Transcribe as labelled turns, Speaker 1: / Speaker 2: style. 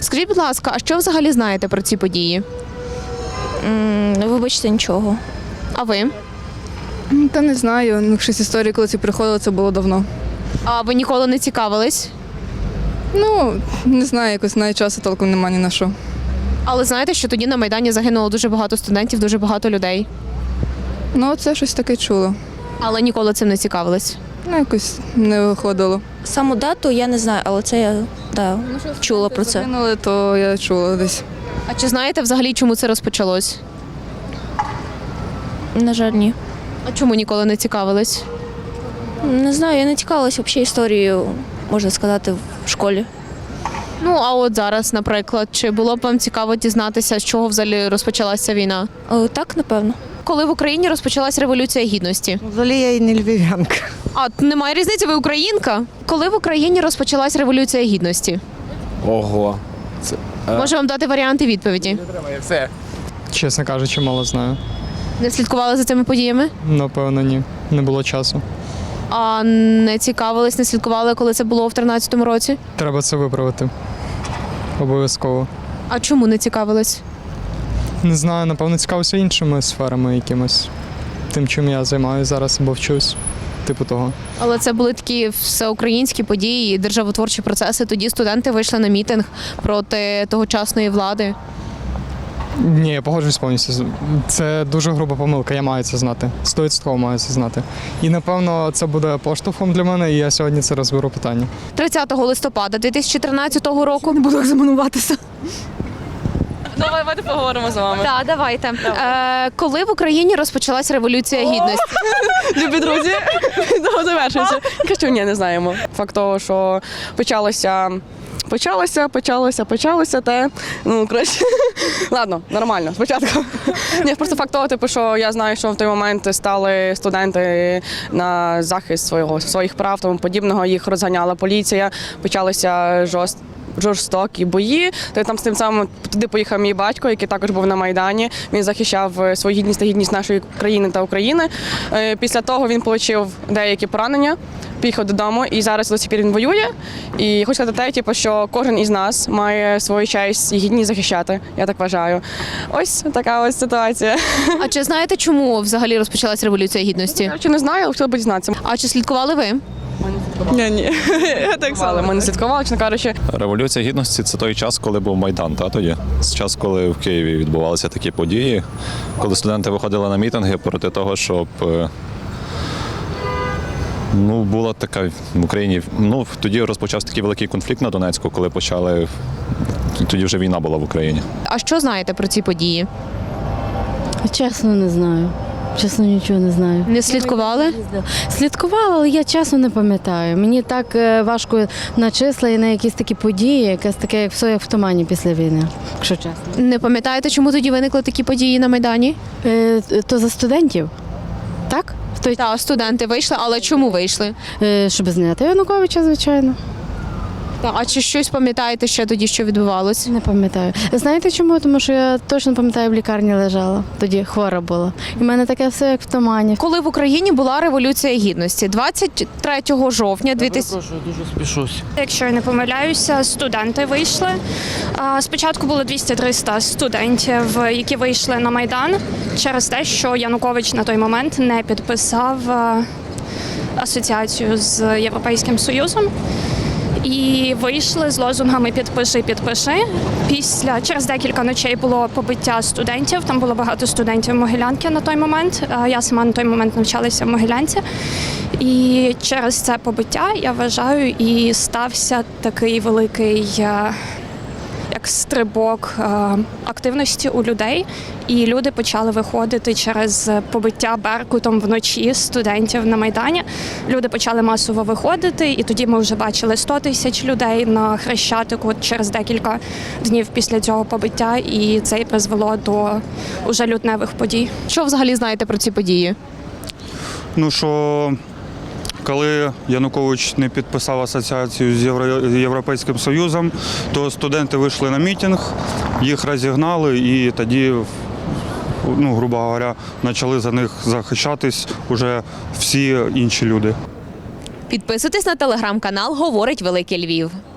Speaker 1: Скажіть, будь ласка, а що взагалі знаєте про ці події?
Speaker 2: Вибачте, нічого.
Speaker 1: А ви?
Speaker 3: Та не знаю. Ну, щось історії, коли ці приходили, це було давно.
Speaker 1: А ви ніколи не цікавились?
Speaker 3: Ну, не знаю, якось навіть часу толком немає ні на що.
Speaker 1: Але знаєте, що тоді на Майдані загинуло дуже багато студентів, дуже багато людей.
Speaker 3: Ну, це щось таке чуло.
Speaker 1: Але ніколи цим не цікавились.
Speaker 3: Ну, якось не виходило.
Speaker 2: Саму дату я не знаю, але це я чула про це.
Speaker 3: Загинули, то я чула десь.
Speaker 1: А чи знаєте взагалі, чому це розпочалось?
Speaker 2: На жаль, ні.
Speaker 1: А чому ніколи не цікавились?
Speaker 2: Не знаю, я не цікавилася взагалі історією, можна сказати, в школі.
Speaker 1: Ну, а от зараз, наприклад, чи було б вам цікаво дізнатися, з чого взагалі розпочалася війна?
Speaker 2: Так, напевно.
Speaker 1: Коли в Україні розпочалась Революція Гідності?
Speaker 4: Взагалі я і не львів'янка.
Speaker 1: А, немає різниці, ви українка? Коли в Україні розпочалась Революція Гідності?
Speaker 5: Ого.
Speaker 1: Можу вам дати варіанти відповіді.
Speaker 6: Чесно кажучи, мало знаю.
Speaker 1: Не слідкували за цими подіями?
Speaker 6: Напевно, ні. Не було часу.
Speaker 1: А не цікавились, не слідкували, коли це було в 13-му році?
Speaker 6: Треба це виправити. Обов'язково.
Speaker 1: А чому не цікавились?
Speaker 6: Не знаю, напевно, цікавився іншими сферами якимось. Тим, чим я займаюся зараз або вчусь. Типу того.
Speaker 1: Але це були такі всеукраїнські події, державотворчі процеси. Тоді студенти вийшли на мітинг проти тогочасної влади.
Speaker 6: Ні, я погоджуюсь повністю. Це дуже груба помилка, я маю це знати. 100% маю це знати. І, напевно, це буде поштовхом для мене, і я сьогодні це розберу питання.
Speaker 1: 30 листопада 2013 року.
Speaker 3: Не буду екзаменуватися.
Speaker 7: Давайте поговоримо з вами.
Speaker 1: Так, давайте. Коли в Україні розпочалась Революція Гідності?
Speaker 7: Любі друзі, завершується. Кажу, ні, не знаємо. Факт того, що почалося те. Ну, коротше, ладно, нормально, спочатку. Ні, просто факт того, типу, що я знаю, що в той момент стали студенти на захист своїх прав, тому подібного, їх розганяла поліція, почалися жорстокі бої. Там з тим самим туди поїхав мій батько, який також був на Майдані. Він захищав свою гідність та гідність нашої країни та України. Після того він отримав деякі поранення, поїхав додому і зараз до сих пір він воює. І хочу сказати те, типу, що кожен із нас має свою честь і гідність захищати, я так вважаю. Ось така ось ситуація.
Speaker 1: А чи знаєте, чому взагалі розпочалась Революція Гідності?
Speaker 7: Чи не знаю, але хотіла б дізнатися.
Speaker 1: А чи слідкували ви?
Speaker 7: Ні. Я так само. Ми не слідкували, чесно кажучи.
Speaker 8: Революція Гідності – це той час, коли був Майдан, тоді? З час, коли в Києві відбувалися такі події, коли студенти виходили на мітинги проти того, щоб була така в Україні. Тоді розпочався такий великий конфлікт на Донецьку, коли тоді вже війна була в Україні.
Speaker 1: А що знаєте про ці події?
Speaker 9: Чесно, не знаю. Чесно, нічого не знаю.
Speaker 1: Не слідкували?
Speaker 9: Слідкувала, але я чесно не пам'ятаю. Мені так важко на числа і на якісь такі події, якесь таке, як все як в тумані після війни, якщо чесно.
Speaker 1: Не пам'ятаєте, чому тоді виникли такі події на Майдані?
Speaker 9: То за студентів, так?
Speaker 1: Так, студенти вийшли, але чому вийшли?
Speaker 9: Щоб зняти Януковича, звичайно.
Speaker 1: А чи щось пам'ятаєте ще тоді, що відбувалось?
Speaker 9: Не пам'ятаю. Знаєте чому? Тому що я точно пам'ятаю, в лікарні лежала. Тоді хвора була. І в мене таке все як в тумані.
Speaker 1: Коли в Україні була Революція Гідності? 23 жовтня 2000...
Speaker 5: Дуже спішусь.
Speaker 10: Якщо я не помиляюся, студенти вийшли. Спочатку було 200-300 студентів, які вийшли на Майдан через те, що Янукович на той момент не підписав асоціацію з Європейським Союзом. І вийшли з лозунгами «Підпиши, підпиши». Через декілька ночей було побиття студентів. Там було багато студентів Могилянки на той момент. Я сама на той момент навчалася в Могилянці. І через це побиття, я вважаю, і стався такий великий як стрибок активності у людей. І люди почали виходити через побиття Беркутом вночі студентів на Майдані. Люди почали масово виходити, і тоді ми вже бачили 100 тисяч людей на Хрещатику через декілька днів після цього побиття, і це і призвело до уже лютневих подій.
Speaker 1: Що взагалі знаєте про ці події?
Speaker 11: Що коли Янукович не підписав асоціацію з Європейським Союзом, то студенти вийшли на мітинг, їх розігнали і тоді, грубо говоря, почали за них захищатись уже всі інші люди.
Speaker 1: Підписуйтесь на телеграм-канал «Говорить Великий Львів».